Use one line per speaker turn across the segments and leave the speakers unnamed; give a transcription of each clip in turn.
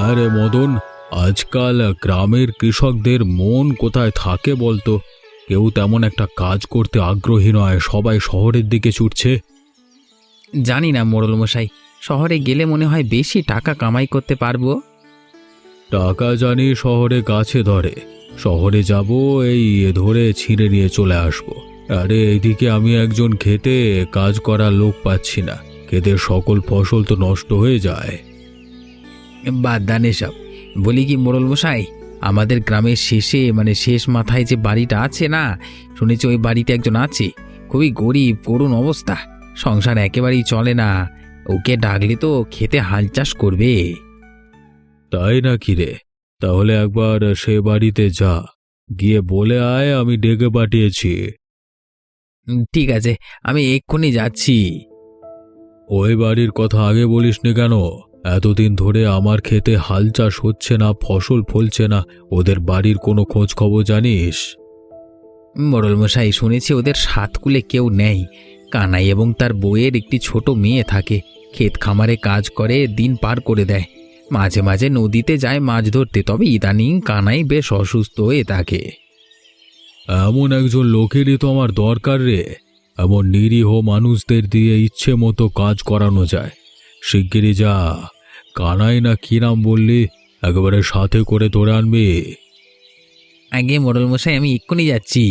হ্যাঁ রে মদন, আজকাল গ্রামের কৃষকদের মন কোথায় থাকে বলতো? কেউ তেমন একটা কাজ করতে আগ্রহী নয়, সবাই শহরের দিকে ছুটছে।
জানি না মোড়ল মশাই, শহরে গেলে মনে হয় বেশি টাকা কামাই করতে পারবো।
টাকা জানি শহরে গাছে ধরে, শহরে যাব এই ধরে ছিঁড়ে নিয়ে চলে আসবো। আরে এইদিকে আমি একজন খেতে কাজ করার লোক পাচ্ছি না, ক্ষেতের সকল ফসল তো নষ্ট হয়ে যায়।
বাদ দান এসব। বলি কি মোড়ল মশাই, আমাদের গ্রামের শেষে মানে শেষ মাথায় যে বাড়িটা আছে না, শুনেছি ওই বাড়িতে একজন আছে, খুবই গরিব, করুণ অবস্থা, সংসার একেবারেই চলে না। ওকে ডাকলে তো খেতে হাল চাষ করবে।
তাই নাকি রে? তাহলে একবার সে বাড়িতে যা, গিয়ে বলে আয় আমি ডেকে পাঠিয়েছি।
ঠিক আছে, আমি এক্ষুনি যাচ্ছি।
ওই বাড়ির কথা আগে বলিসনি কেন? এতদিন ধরে আমার খেতে হাল চাষ হচ্ছে না, ফসল ফলছে না, ওদের বাড়ির কোনো খোঁজ খবর জানিস?
মোড়ল মশাই, শুনেছি ওদের সাতকুলে কেউ নেই। কানাই এবং তার বউয়ের একটি ছোট মেয়ে থাকে, ক্ষেত খামারে কাজ করে দিন পার করে দেয়। মাঝে মাঝে নদীতে যায় মাছ ধরতে, তবে ইদানিং কানাই বেশ অসুস্থ হয়ে থাকে।
এমন একজন লোকেরই তো আমার দরকার রে। এমন নিরীহ মানুষদের দিয়ে ইচ্ছে মতো কাজ করানো যায়। শিগগিরই যা, কানাই না কি নাম বললি, একেবারে সাথে করে ধরে আনবি।
আগে মোড়ল মশাই, আমি এক্ষুনি যাচ্ছি।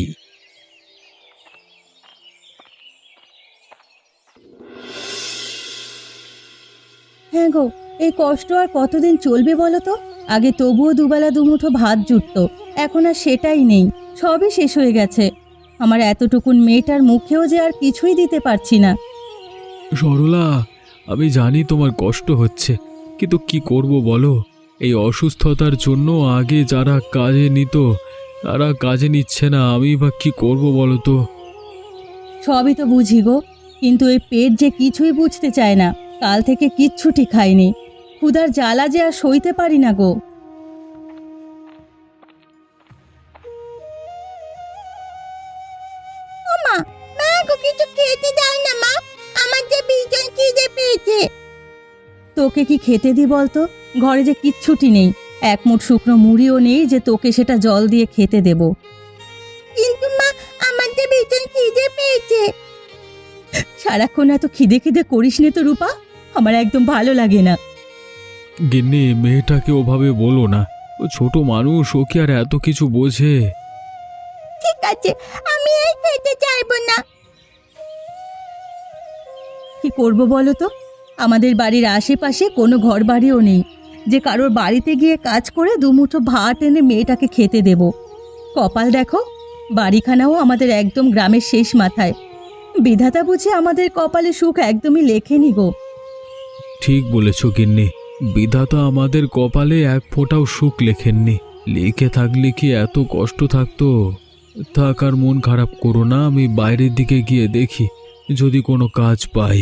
হ্যাঁ গো, এই কষ্ট আর কতদিন চলবে বলো তো? আগে তবুও দুবেলা দুমুঠো ভাত জুটতো, এখন আর সেটাই নেই, সবই শেষ হয়ে গেছে। আমার এতটুকুন মেয়েটার মুখেও যে আর কিছুই দিতে পারছি না।
সরলা, আমি জানি তোমার কষ্ট হচ্ছে, কিন্তু কি করব বলো? এই অসুস্থতার জন্য আগে যারা কাজে নিত তারা কাজে নিচ্ছে না, আমি বা কি করব বলো তো?
সবই তো বুঝি গো, কিন্তু এই পেট যে কিছুই বুঝতে চায় না। কাল থেকে কিচ্ছুটি খাইনি, ক্ষুধার জ্বালা যে আর সইতে পারি না গো। মা, মা গো, কিছু খেতে দাও না মা, আমার যে ভীষণ খিদে পেয়েছে। তোকে কি খেতে দি বলতো? ঘরে যে কিচ্ছুটি নেই, এক মুঠ শুকনো মুড়িও নেই যে তোকে সেটা জল দিয়ে খেতে দেব। কিন্তু মা, আমার যে ভীষণ খিদে পেয়েছে। সারাক্ষণ এত খিদে খিদে করিস নে তো রূপা, আমার একদম ভালো লাগে না।
গিন্নি, মেয়েটাকে ওভাবে বলো না, ও ছোট মানুষ, ও কি আর এত কিছু বোঝে?
ঠিক আছে, আমি এই খেতে চাইবো না। কি করব বলো তো? আমাদের বাড়ির আশেপাশে কোনো ঘর বাড়িও নেই যে কারোর বাড়িতে গিয়ে কাজ করে দুমুঠো ভাত এনে মেয়েটাকে খেতে দেব। কপাল দেখো, বাড়িখানাও আমাদের একদম গ্রামের শেষ মাথায়। বিধাতা বুঝে আমাদের কপালে সুখ একদমই লেখেনি গো।
ঠিক বলেছ গিন্নি, বিধাতা আমাদের কপালে এক ফোঁটাও সুখ লেখেননি। লিখে থাকলে কি এত কষ্ট থাকতো? থাক, আর মন খারাপ করো না, আমি বাইরের দিকে গিয়ে দেখি যদি কোনো কাজ পাই।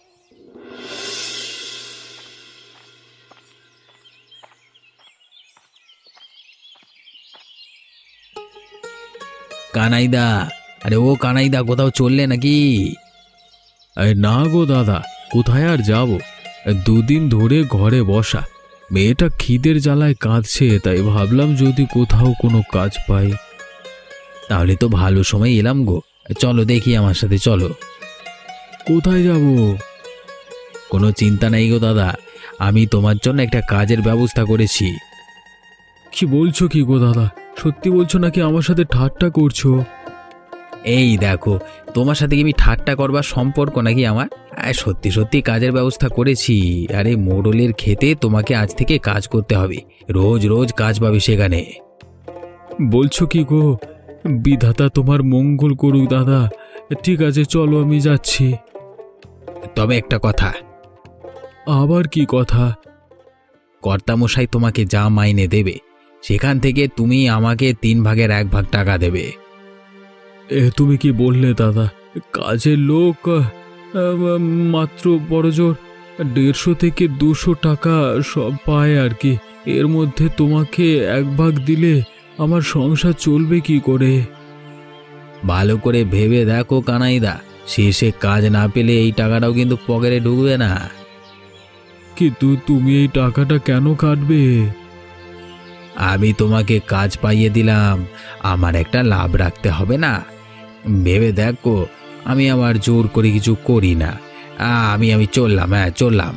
কানাইদা, আরে ও কানাইদা, কোথাও চললে নাকি?
না গো দাদা, কোথায় আর যাব? দুদিন ধরে ঘরে বসা, মেয়েটা খিদের জ্বালায় কাঁদছে, তাই ভাবলাম যদি কোথাও কোনো কাজ পাই।
তাহলে তো ভালো সময় এলাম গো, চলো দেখি, আমার সাথে চলো।
কোথায় যাব?
কোনো চিন্তা নাই গো দাদা, আমি তোমার জন্য একটা কাজের ব্যবস্থা করেছি।
কি বলছো কি গো দাদা? সত্যি বলছো নাকি আমার সাথে ঠাট্টা করছো?
এই দেখো, তোমার সাথে কি আমি ঠাট্টা করবার সম্পর্ক নাকি আমার? সত্যি সত্যি কাজের ব্যবস্থা করেছি। আরে মোড়লের খেতে তোমাকে আজ থেকে কাজ করতে হবে, রোজ রোজ কাজ পাবে সেখানে।
বলছো কি গো? বিধাতা তোমার মঙ্গল করুক দাদা। ঠিক আছে, চলো আমি যাচ্ছি।
তবে একটা কথা।
আবার কি কথা?
কর্তামশাই তোমাকে যা মাইনে দেবে সেখান থেকে তুমি আমাকে 3 ভাগের 1 ভাগ টাকা দেবে।
তুমি কি বললে দাদা? কাজের লোক মাত্র বড়জোর 150 থেকে 200 টাকা সব পায় আর কি। এর মধ্যে তোমাকে 1 ভাগ দিলে আমার সংসার চলবে কি করে?
ভালো করে ভেবে দেখো কানাইদা, শেষে কাজ না পেলে এই টাকাটাও কিন্তু পকেটে ঢুকবে না।
কিন্তু তুমি এই টাকাটা কেন কাটবে?
আমি তোমাকে কাজ পাইয়ে দিলাম, আমার একটা লাভ রাখতে হবে না? ভেবে দেখো, আমি আবার জোর করে কিছু করি না। আমি চললাম, হ্যাঁ চললাম।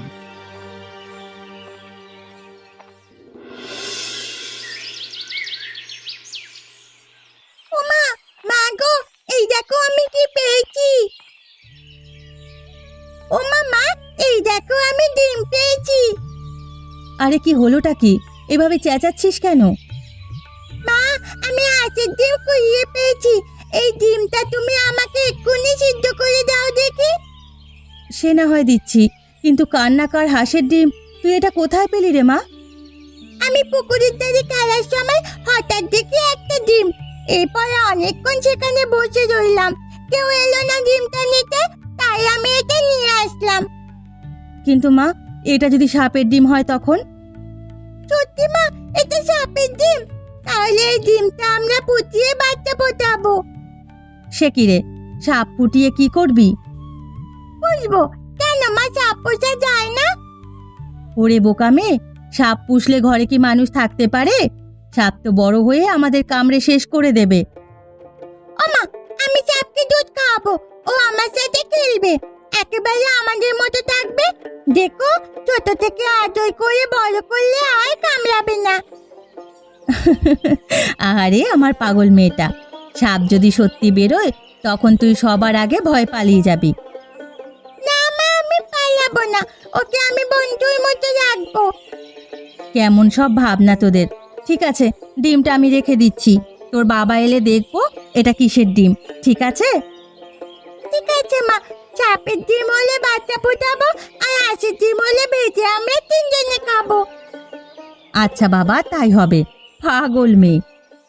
ওমা, মা গো, এই দেখো আমি কি পেয়েছি। ওমা মা, এই দেখো আমি ডিম পেয়েছি। আরে কি হলোটা কি? এভাবে চেঁচাচ্ছিস কেন? মা, আমি হাঁসের ডিম কুড়িয়ে পেয়েছি। এই ডিমটা তুমি আমাকে এক্ষুনি সিদ্ধ করে দাও দেখি। সে না হয় দিচ্ছি, কিন্তু কান্নাকার হাঁসের ডিম তুই এটা কোথায় পেলি রে মা? আমি পুকুরের ধারে খেলার সময় হঠাৎ দেখি একটা ডিম। এরপর অনেকক্ষণ সেখানে বসে রইলাম, কেউ এলো না ডিমটা নিতে, তাই আমি এটা নিয়ে আসলাম। কিন্তু মা, এটা যদি সাপের ডিম হয় তখন? সত্যি মা, এটা সাপের ডিম? তাহলে এই ডিমটা আমরা ফুটিয়ে বাচ্চা ফোটাবো। সে কি রে, সাপ ফুটিয়ে কি করবি? পুষবো। কেন মা, সাপ পোষা যায় না? ওরে বোকা মেয়ে, সাপ পুষলে ঘরে কি মানুষ থাকতে পারে? সাপ তো বড় হয়ে আমাদের কামড়ে শেষ করে দেবে। ওমা, আমি সাপকে দুধ খাওয়াবো, ও আমার সাথে খেলবে, একেবারে আমাদের মতো থাকবে। দেখো, ছোট থেকে আদর করে বড় করলে আর কামড়াবে না। আরে আমার পাগল মেয়েটা, সাপ যদি সত্যি বেরোয় তখন তুই সবার আগে ভয় পালিয়ে যাবি। না মা, আমি পালাবো না, ওকে আমি বন্ধুর মতো রাখবো। কেমন সব ভাবনা তোদের। ঠিক আছে, ডিমটা আমি রেখে দিচ্ছি, তোর বাবা এলে দেখবো এটা কিসের ডিম। ঠিক আছে? ঠিক আছে মা, সাপের ডিম হলে বাচ্চা ফোটাবো, আর হাঁসের ডিম হলে ভেজে আমরা তিনজনে খাবো। আচ্ছা বাবা, তাই হবে। পাগল মেয়ে।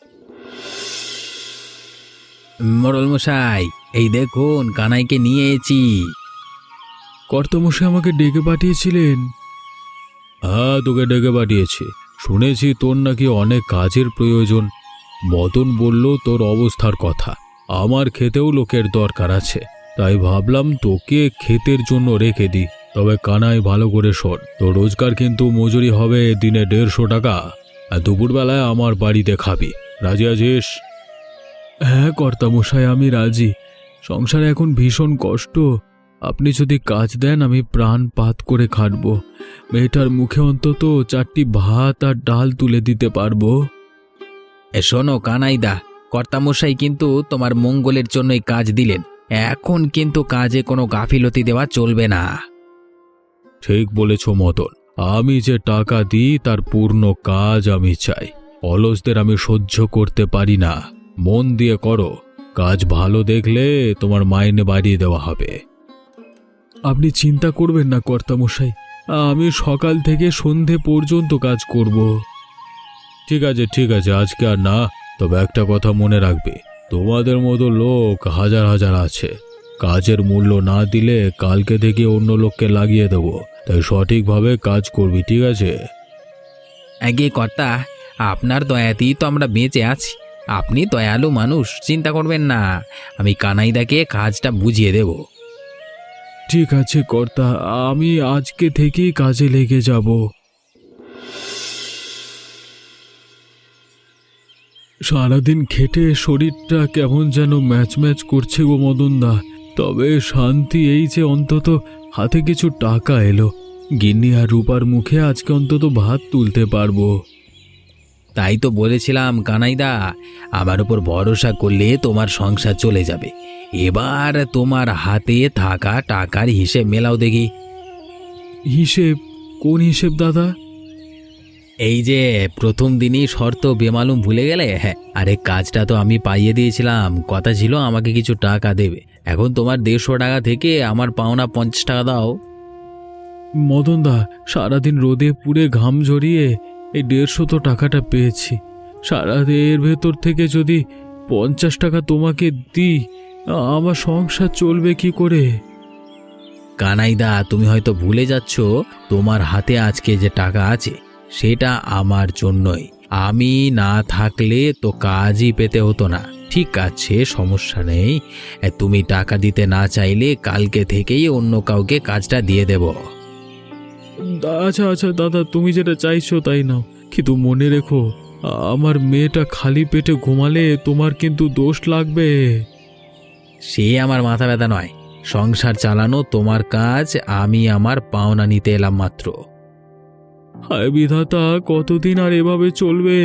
মোড়ল মশাই, এই দেখুন কানাইকে নিয়ে এসেছি।
কর্তামশাই আমাকে ডেকে পাঠিয়েছিলেন? হ্যাঁ, তোকে ডেকে পাঠিয়েছি। শুনেছি তোর নাকি অনেক কাজের প্রয়োজন। মদন বলল তোর অবস্থার কথা। আমার খেতেও লোকের দরকার আছে, তাই ভাবলাম তোকে ক্ষেতের জন্য রেখে দিই। তবে কানাই, ভালো করে শোন, তোর রোজগার কিন্তু মজুরি হবে দিনে 150 টাকা, আর দুপুরবেলায় আমার বাড়িতে খাবি। রাজি আছিস? হ্যাঁ কর্তামশাই, আমি রাজি। সংসারে এখন ভীষণ কষ্ট। আপনি যদি কাজ দেন আমি প্রাণপাত করে খাটব। মেয়েটার মুখে অন্তত 4টি ভাত আর ডাল তুলে দিতে পারবো।
শোনো কানাইদা, কর্তামশাই কিন্তু তোমার মঙ্গলের জন্যই কাজ দিলেন, এখন কিন্তু কাজে কোনো গাফিলতি দেওয়া চলবে না।
ঠিক বলেছ মদন, আমি যে টাকা দিই তার পূর্ণ কাজ আমি চাই। অলসদের আমি সহ্য করতে পারি না। মন দিয়ে করো, কাজ ভালো দেখলে তোমার মাইনে বাড়িয়ে দেওয়া হবে। আপনি চিন্তা করবেন না কর্তামশাই, আমি সকাল থেকে সন্ধে পর্যন্ত কাজ করব। ঠিক আছে ঠিক আছে, আজকে আর না। তবে একটা কথা মনে রাখবে, তোমাদের মতো লোক হাজার হাজার আছে। কাজের মূল্য না দিলে কালকে থেকে অন্য লোককে লাগিয়ে দেবো। তাই সঠিকভাবে কাজ করবি, ঠিক আছে?
আগে কর্তা, আপনার দয়াতেই তো আমরা বেঁচে আছি। আপনি দয়ালু মানুষ, চিন্তা করবেন না, আমি কানাইদাকে কাজটা বুঝিয়ে দেব।
ঠিক আছে কর্তা, আমি আজকে থেকেই কাজে লেগে যাব। সারাদিন খেটে শরীরটা কেমন যেন ম্যাচ ম্যাচ করছে গো মদনদা। তবে শান্তি এই যে অন্তত হাতে কিছু টাকা এলো। গিন্নি আর রূপার মুখে আজকে অন্তত ভাত তুলতে পারবো।
তাই তো বলেছিলাম কানাইদা, আমার উপর ভরসা করলে তোমার সংসার চলে যাবে। এবার তোমার হাতে থাকা টাকার হিসেব মেলাও দেখি।
হিসেব? কোন হিসেব দাদা?
এই যে প্রথম দিনই শর্ত বেমালুম ভুলে গেলে? হ্যাঁ, আরে কাজটা তো আমি পাইয়ে দিয়েছিলাম, কথা ছিল আমাকে কিছু টাকা দেবে। এখন তোমার 150 টাকা থেকে আমার পাওনা 50 টাকা দাও।
মদনদা, সারাদিন রোদে পুড়ে ঘাম ঝরিয়ে এই 150 তো টাকাটা পেয়েছি। এর ভেতর থেকে যদি 50 টাকা তোমাকে দিই, আমার সংসার চলবে কি করে?
কানাইদা, তুমি হয়তো ভুলে যাচ্ছ, তোমার হাতে আজকে যে টাকা আছে সেটা আমার জন্যই। আমি না থাকলে তো কাজই পেতে হতো না। ঠিক আছে, সমস্যা নেই। তুমি টাকা দিতে না চাইলে কালকে থেকেই অন্য কাউকে কাজটা দিয়ে দেব।
আচ্ছা আচ্ছা দাদা, তুমি যেটা চাইছো তাই নাও, কিন্তু মনে রেখো আমার মেয়েটা খালি পেটে ঘুমালে তোমার কিন্তু দোষ লাগবে।
সে আমার মাথা ব্যথা নয়, সংসার চালানো তোমার কাজ, আমি আমার পাওনা নিতে এলাম মাত্র।
হায় বিধাতা, কতদিন আর এভাবে চলবে?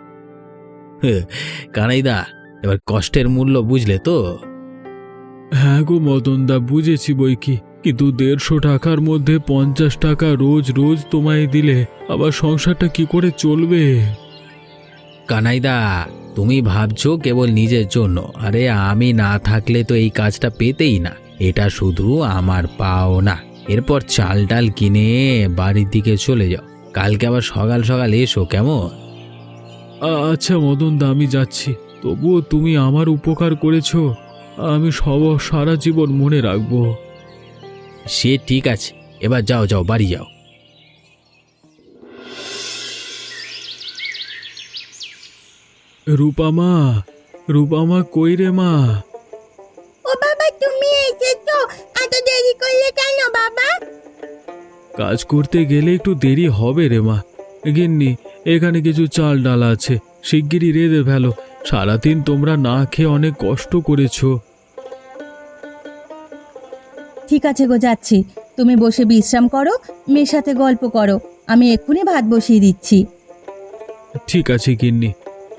কানাইদা, এবার কষ্টের মূল্য বুঝলে তো?
হ্যাঁ গো মদনদা, বুঝেছি বই কি, কিন্তু 150 টাকার মধ্যে 50 টাকা রোজ রোজ তোমায় দিলে আবার সংসারটা কি করে চলবে?
কানাইদা, তুমি ভাবছো কেবল নিজের জন্য, আরে আমি না থাকলে তো এই কাজটা পেতেই না। এটা শুধু আমার পাওনা। এরপর চাল ডাল কিনে বাড়ির দিকে চলে যাও, কালকে আবার সকাল সকাল এসো, কেমন?
আচ্ছা মদনদা, আমি যাচ্ছি, তবুও তুমি আমার উপকার করেছো, আমি সারা জীবন মনে রাখবো।
সে ঠিক আছে, এবার যাও যাও, বাড়ি যাও।
রূপামা, রূপামা কই রে মা?
ও বাবা, তুমি এসেছো? এত দেরি করলে কেন বাবা?
কাজ করতে গেলে একটু দেরি হবে রে মা। গিন্নি, এখানে কিছু চাল ডাল আছে, শিগগিরই রেঁধে ফেলো। সারাদিন তোমরা না খেয়ে অনেক কষ্ট করেছো।
ঠিক আছে গো, যাচ্ছি। তুমি বসে বিশ্রাম করো, মেয়ের সাথে গল্প করো, আমি এক্ষুনি ভাত বসিয়ে দিচ্ছি।
ঠিক আছে গিন্নি।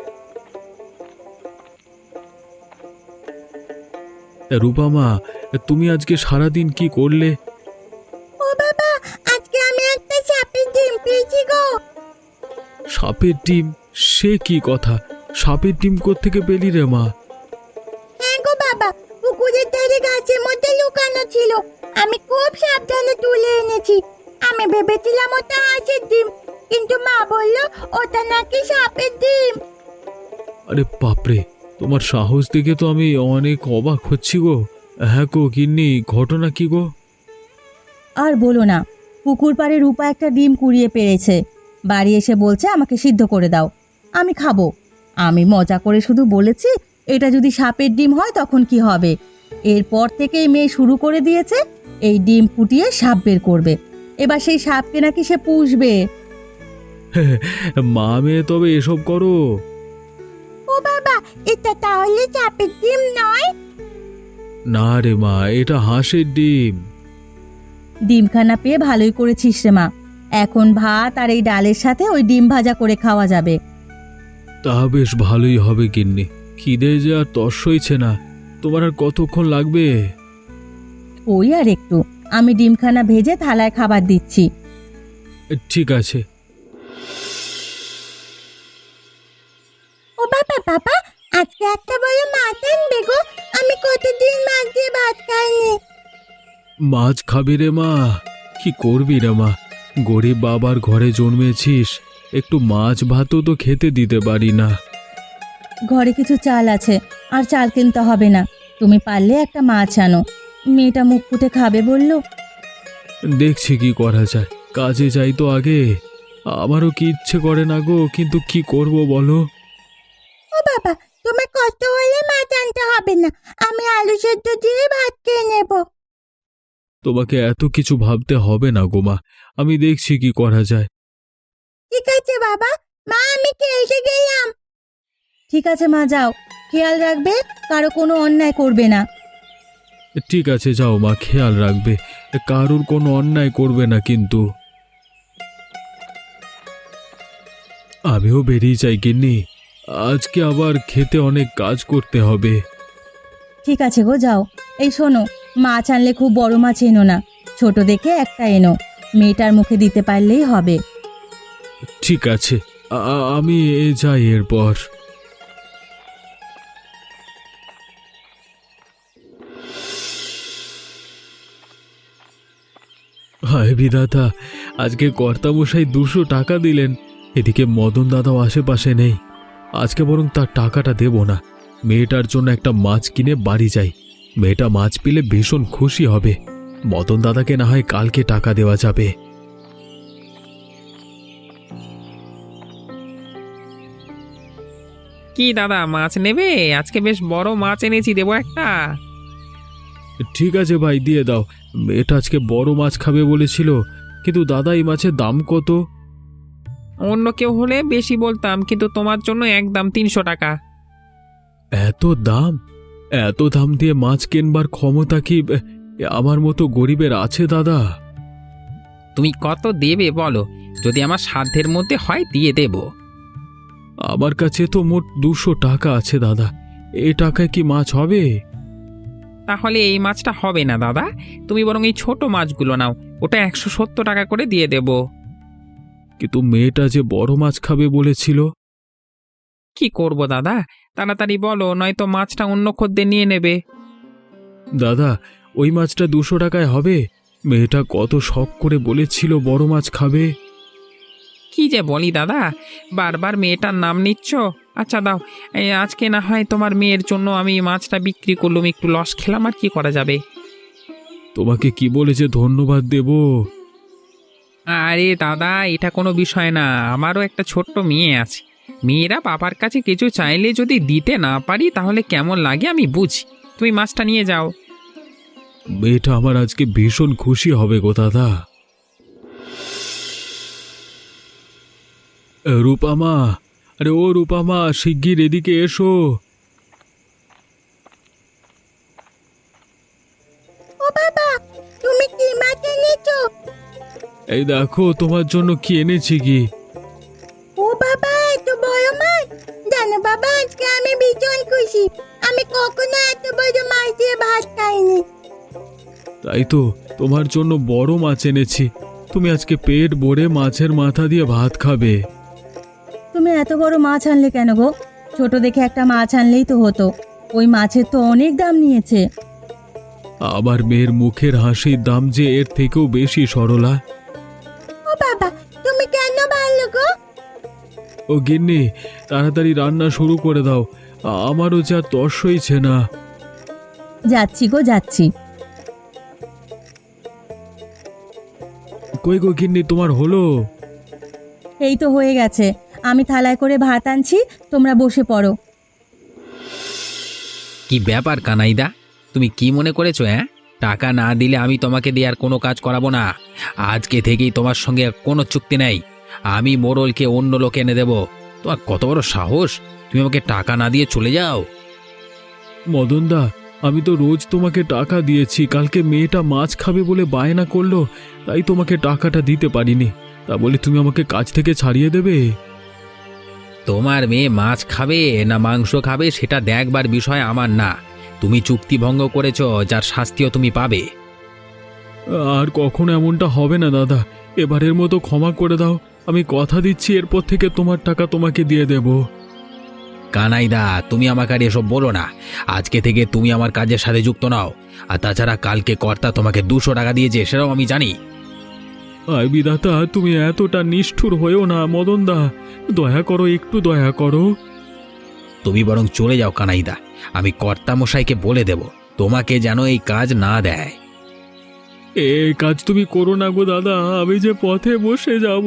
রূপামা, তুমি আজকে সারাদিন কি করলে?
ও বাবা, আজকে আমি একটা সাপের ডিম পেয়েছি গো।
সাপের ডিম? সে কি কথা, সাপের ডিম কোত্থেকে পেলি রে মা?
হ্যাঁ গো বাবা, পুকুরের ধারে গাছের মধ্যে লুকানো ছিল, আমি খুব সাবধানে তুলে এনেছি। আমি ভেবেছিলাম ওটা হাঁসের ডিম, কিন্তু মা বললো ওটা নাকি সাপের ডিম।
আরে বাপরে, তোমার সাহস দেখে তো আমি অনেক অবাক হচ্ছি গো। হ্যাঁ গো গিন্নি, ঘটনা কি গো?
আর বলো না, পুকুর পাড়ে রূপা একটা ডিম কুড়িয়ে পেরেছে, বাড়ি এসে বলছে আমাকে সিদ্ধ করে দাও, আমি খাবো। আমি মজা করে শুধু বলেছি এটা যদি সাপের ডিম হয় তখন কি হবে। এরপর থেকেই মেয়ে শুরু করে দিয়েছে এই ডিম ফুটিয়ে সাপ বের করবে, এবার সেই সাপকে নাকি সে পুষবে।
মা মেয়ে তবে এসব করো?
ও বাবা, এটা তাহলে সাপের ডিম নয়?
না রে মা, এটা হাঁসের ডিম।
ডিমখানা পেয়ে ভালোই করেছিস রে মা, এখন ভাত আর এই ডালের সাথে ওই ডিম ভাজা করে খাওয়া যাবে।
তা বেশ ভালোই হবে গিন্নি, খিদে যে আর তর সইছে না। তোমার আর কতক্ষণ লাগবে?
ওই আর একটু, আমি ডিমখানা ভেজে থালায় খাবার দিচ্ছি।
ঠিক আছে।
ও বাবা বাবা, আজকে একটা বড় মাছ আনবে গো, আমি কতদিন মাছ দিয়ে ভাত খাইনি।
মাছ খাবি রে মা? কি করবি রে মা, গরিব বাবার ঘরে জন্মেছিস, একটু মাছ ভাতও তো খেতে দিতে পারি না।
ঘরে কিছু চাল আছে, আর চাল কিনতে হবে না, তুমি পারলে একটা মাছ আনো, মেয়েটা মুখ ফুটে খাবে বললো।
দেখছি কি করা যায়, কাজে যাই তো আগে। আমারও কি ইচ্ছে করে না গো, কিন্তু কি করব বলো?
ও বাবা, তোমার কষ্ট হলে মাছ আনতে হবে না, আমি আলু সেদ্ধ দিয়ে ভাত খেয়ে নেব।
তোমাকে এত কিছু ভাবতে হবে না গো মা, আমি দেখছি কি করা যায়।
ঠিক আছে বাবা, মা আমি খেয়ে গেলাম। ঠিক আছে মা, যাও, খেয়াল রাখবে কারো কোনো অন্যায় করবে না।
ঠিক আছে যাও মা, খেয়াল রাখবে, কারুর কোনো অন্যায় করবে না কিন্তু। আমিও বেরিয়ে যাই গিন্নি, আজকে আবার খেতে অনেক কাজ করতে হবে।
ঠিক আছে গো, যাও। এই শোনো, মাছ আনলে খুব বড় মাছ এনো না, ছোট দেখে একটা এনো, মেয়েটার মুখে দিতে পারলেই হবে।
ঠিক আছে, আমি যাই এরপর। হায় বিধাতা, আজকে কর্তামশাই 200 টাকা দিলেন, এদিকে মদন দাদাও আশেপাশে নেই। আজকে বরং তার টাকাটা দেব না, মেয়েটার জন্য একটা মাছ কিনে বাড়ি যাই। মেয়েটা মাছ পেলে ভীষণ খুশি হবে। মদন দাদাকে না হয় কালকে টাকা দেওয়া যাবে।
কি দাদা, মাছ নেবে? আজকে বেশ বড় মাছ এনেছি, দেবো একটা?
ঠিক আছে ভাই, দিয়ে দাও। মেয়েটা আজকে বড় মাছ খাবে বলেছিল, কিন্তু দাদা এই মাছের দাম কত?
অন্য কেউ হলে বেশি বলতাম, কিন্তু তোমার জন্য একদম 300 টাকা।
এত দাম? এত দাম দিয়ে মাছ কেনবার ক্ষমতা কি আমার মতো গরিবের আছে দাদা?
তুমি কত দেবে বলো, যদি আমার সাধ্যের মধ্যে হয় দিয়ে দেব।
আমার কাছে তো মোট 200 টাকা আছে দাদা, এ টাকায় কি মাছ হবে?
তাহলে এই মাছটা হবে না দাদা, তুমি বরং এই ছোট মাছগুলো নাও, ওটা 170 টাকা করে দিয়ে দেব।
কিন্তু মেয়েটা যে বড় মাছ খাবে বলেছিল।
কি করব দাদা, তাড়াতাড়ি বলো, নয়তো মাছটা অন্য খদ্দের নিয়ে নেবে।
দাদা ওই মাছটা 200 টাকায় হবে? মেয়েটা কত শখ করে বলেছিল বড় মাছ খাবে।
কি যে বলি দাদা, বারবার মেয়েটার নাম নিচ্ছ। আচ্ছা দাও, এই আজকে না হয় তোমার মেয়ের জন্য আমি মাছটা বিক্রি করলুম, একটু লস খেলাম, আর কি করা যাবে।
তোমাকে কি বলে যে ধন্যবাদ দেব?
আরে দাদা, এটা কোনো বিষয় না, আমারও একটা ছোট্ট মেয়ে আছে। মেয়েরা বাবার কাছে কিছু চাইলে যদি দিতে না পারি তাহলে কেমন লাগে আমি বুঝি। তুমি মাছটা নিয়ে যাও।
মেয়েটা আমার আজকে ভীষণ খুশি হবে গো দাদা। রূপামা, আরে ও রূপামা, শিগগির এদিকে এসো।
ও বাবা, তুমি কি মাছ এনেছো?
এই দেখো তোমার জন্য কি এনেছি কি।
ও বাবা, এত বড় মাছ! জানো বাবা, আজকে আমি ভীষণ খুশি। আমি কখনো এত বড় মাছ দিয়ে ভাত খাইনি।
তাই তো, তোমার জন্য বড় মাছ এনেছি। তুমি আজকে পেট ভরে মাছের মাথা দিয়ে ভাত খাবে।
তুমি এত বড় মাছ আনলে কেন গো? ছোট দেখে একটা মাছ আনলেই তো হতো। ওই মাছের তো অনেক দাম নিয়েছে।
আমার মেয়ের মুখের হাসির দাম যে এর থেকেও বেশি সরলা।
ও বাবা, তুমি কেন ভালো গো?
ও গিন্নি, তাড়াতাড়ি রান্না শুরু করে দাও, আমারও যা তর সইছে না।
যাচ্ছি গো, যাচ্ছি।
কই গো গিন্নি, তোমার হলো?
এই তো হয়ে গেছে, আমি থালায় করে ভাত আনছি, তোমরা বসে পড়ো।
কি ব্যাপার কানাইদা, তুমি কি মনে করেছো? টাকা না দিলে আমি তোমাকে দিয়ে আর কোনো কাজ করাবো না। আজকে থেকেই তোমার সঙ্গে আর কোনো চুক্তি নেই। আমি মোড়লকে অন্য লোক এনে দেবো। তোমার কত বড় সাহস, তুমি আমাকে টাকা না দিয়ে চলে যাও?
মদনদা, আমি তো রোজ তোমাকে টাকা দিয়েছি। কালকে মেয়েটা মাছ খাবে বলে বায়না করলো, তাই তোমাকে টাকাটা দিতে পারিনি। তা বলে তুমি আমাকে কাজ থেকে ছাড়িয়ে দেবে?
তোমার মেয়ে মাছ খাবে না মাংস খাবে সেটা দেখবার বিষয় আমার না। তুমি চুক্তি ভঙ্গ করেছো, যার শাস্তিও তুমি পাবে।
আর কখনো এমনটা হবে না দাদা, এবারের মতো ক্ষমা করে দাও। আমি কথা দিচ্ছি এরপর থেকে তোমার টাকা তোমাকে দিয়ে দেব।
কানাইদা, তুমি আমাকে আর এসব বলো না। আজকে থেকে তুমি আমার কাজের সাথে যুক্ত নাও। আর তাছাড়া কালকে কর্তা তোমাকে 200 টাকা দিয়েছে, সেটাও আমি জানি।
আয় বিধাতা, তুমি এতটা নিষ্ঠুর হয়েও না মদনদা, দয়া করো, একটু দয়া করো।
তুমি বরং চলে যাও কানাইদা, আমি কর্তামশাইকে বলে দেব তোমাকে যেন এই কাজ না দেয়।
এই কাজ তুমি করো না গো দাদা, আমি যে পথে বসে যাব।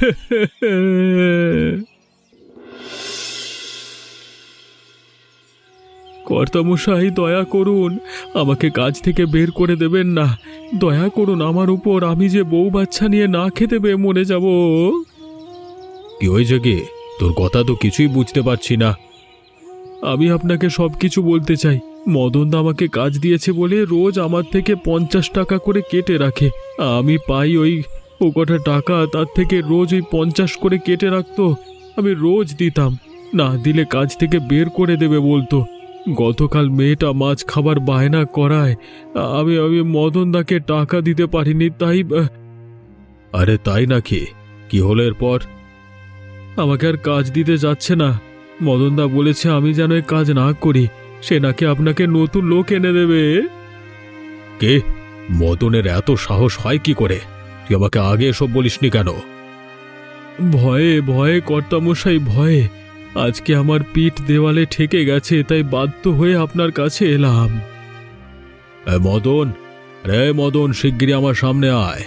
কর্তামশাই দয়া করুন, আমাকে কাজ থেকে বের করে দেবেন না। দয়া করুন আমার উপর, আমি যে বউ বাচ্চা নিয়ে না খেতে পেয়ে মরে যাব। কি হয়েছে কি? তোর কথা তো কিছুই বুঝতে পারছি না। আমি আপনাকে সব কিছু বলতে চাই। মদনদা আমাকে কাজ দিয়েছে বলে রোজ আমার থেকে 50 টাকা করে কেটে রাখে। আমি পাই ওই কটা টাকা, তার থেকে রোজ ওই 50 করে কেটে রাখতো। আমি রোজ দিতাম, না দিলে কাজ থেকে বের করে দেবে বলতো। গতকাল মেয়েটা মাছ খাবার বায়না করায় আমি আমি মদনদাকে টাকা দিতে পারিনি, তাই। আরে তাই নাকি? কি হলো এরপর? আমাকে আর কাজ দিতে যাচ্ছে না। মদনদা বলেছে আমি যেন এই কাজ না করি, সে নাকি আপনাকে নতুন লোক এনে দেবে। কে? মদনের এত সাহস হয় কি করে? তুই আমাকে আগে এসব বলিসনি কেন? ভয়ে ভয়ে কর্তামশাই, ভয়ে। আজকে আমার পিঠ দেওয়ালে ঠেকে গেছে, তাই বাধ্য হয়ে আপনার কাছে এলাম। মদন, রে মদন, শিগগিরই আমার সামনে আয়।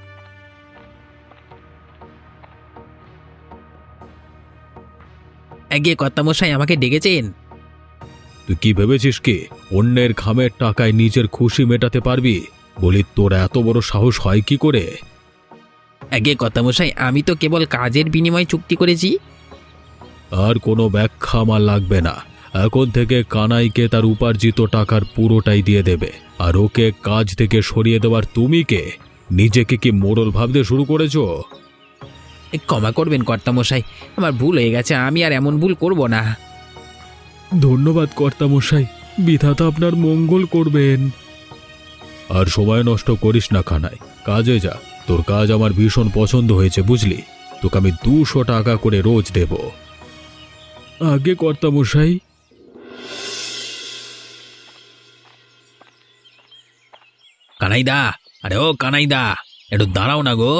গিয়ে কর্তামশাই আমাকে ডেকেছেন?
তুই কি ভেবেছিস কি অন্যের ঘামের টাকায় নিজের খুশি মেটাতে পারবি? বলি তোর এত বড় সাহস হয় কি করে?
আগে কর্তামশাই, আমি তো কেবল কাজের বিনিময়ে চুক্তি করেছি।
আর কোনো ব্যাখ্যা আমার লাগবে না। এখন থেকে কানাইকে তার উপার্জিত টাকার পুরোটাই দিয়ে দেবে। আর ওকে কাজ থেকে সরিয়ে দেওয়ার তুমি কে? নিজেকে কি মোড়ল ভাবতে শুরু করেছো?
ক্ষমা করবেন কর্তামশাই, আমার ভুল হয়ে গেছে, আমি আর এমন ভুল করব না।
ধন্যবাদ কর্তামশাই, বিধাতা আপনার মঙ্গল করবেন। আর সময় নষ্ট করিস না কানাই, কাজে যা। তোর কাজ আমার ভীষণ পছন্দ হয়েছে বুঝলি। তোকে আমি 200 টাকা করে রোজ দেব। আগে কর্তামশাই।
কানাইদা, আরে ও কানাইদা, একটু দাঁড়াও না গো।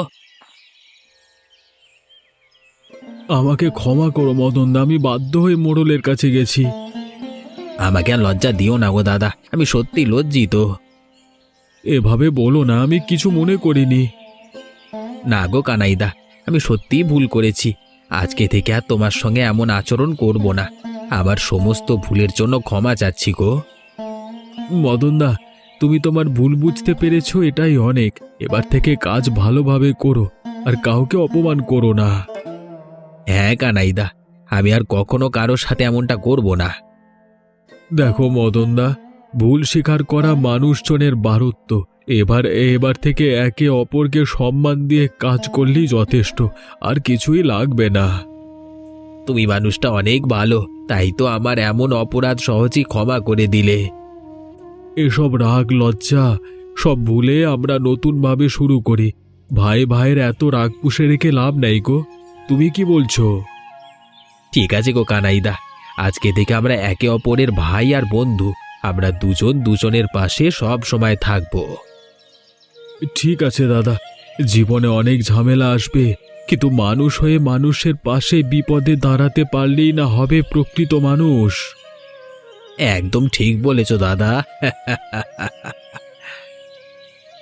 আমাকে ক্ষমা করো মদনদা, আমি বাধ্য হয়ে মোড়লের কাছে গেছি।
আমাকে আর লজ্জা দিও না গো দাদা, আমি সত্যি লজ্জিত।
এভাবে বলো না, আমি কিছু মনে করিনি।
না গো কানাইদা, আমি সত্যিই ভুল করেছি। আজকে থেকে আর তোমার সঙ্গে এমন আচরণ করব না। আবার সমস্ত ভুলের জন্য ক্ষমা চাচ্ছি গো।
মদনদা, তুমি তোমার ভুল বুঝতে পেরেছো, এটাই অনেক। এবার থেকে কাজ ভালোভাবে করো, আর কাউকে অপমান করো না।
হ্যাঁ কানাইদা, আমি আর কখনো কারোর সাথে এমনটা করব না।
দেখো মদনদা, ভুল স্বীকার করা মানুষজনের বারত্ব। এবার থেকে একে অপরকে সম্মান দিয়ে কাজ করলেই যথেষ্ট, আর কিছুই লাগবে না।
তুমি মানুষটা অনেক ভালো, তাই তো আমার এমন অপরাধ সহজেই ক্ষমা করে দিলে।
এসব রাগ লজ্জা সব ভুলে আমরা নতুনভাবে শুরু করি। ভাই ভাইয়ের এত রাগ পুষে রেখে লাভ নাই গো। তুমি কি বলছো?
ঠিক আছে গো কানাইদা, আজকে থেকে আমরা একে অপরের ভাই আর বন্ধু। আমরা দুজন দুজনের পাশে সব সময় থাকবো।
ঠিক আছে দাদা, জীবনে অনেক ঝামেলা আসবে, কিন্তু মানুষ হয়ে মানুষের পাশে বিপদে দাঁড়াতে পারলেই না হবে প্রকৃত মানুষ।
একদম ঠিক বলেছো দাদা।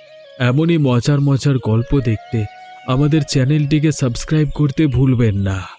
এমনই মজার মজার গল্প দেখতে আমাদের চ্যানেলটিকে সাবস্ক্রাইব করতে ভুলবেন না।